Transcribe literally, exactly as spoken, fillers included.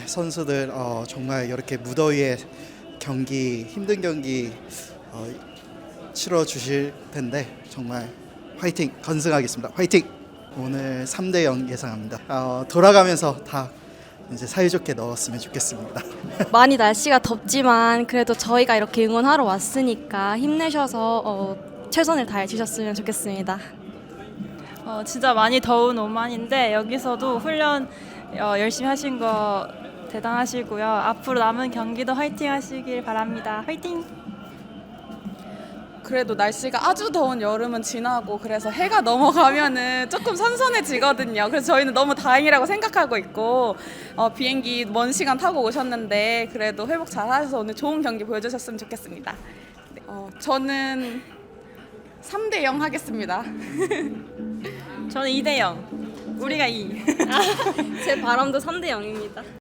선수들 어, 정말 이렇게 무더위에 경기 힘든 경기 어, 치러 주실 텐데 정말 화이팅 건승하겠습니다. 화이팅! 오늘 삼 대 영 예상합니다. 어, 돌아가면서 다 이제 사이좋게 넣었으면 좋겠습니다. 많이 날씨가 덥지만 그래도 저희가 이렇게 응원하러 왔으니까 힘내셔서 어, 최선을 다해 주셨으면 좋겠습니다. 어, 진짜 많이 더운 오만인데 여기서도 훈련 어, 열심히 하신 거 대단하시고요. 앞으로 남은 경기도 화이팅 하시길 바랍니다. 화이팅! 그래도 날씨가 아주 더운 여름은 지나고 그래서 해가 넘어가면은 조금 선선해지거든요. 그래서 저희는 너무 다행이라고 생각하고 있고 어, 비행기 먼 시간 타고 오셨는데 그래도 회복 잘 하셔서 오늘 좋은 경기 보여주셨으면 좋겠습니다. 네, 어, 저는 삼 대 영 하겠습니다. 저는 이 대 영. 우리가 이. 제 바람도 삼 대 영입니다.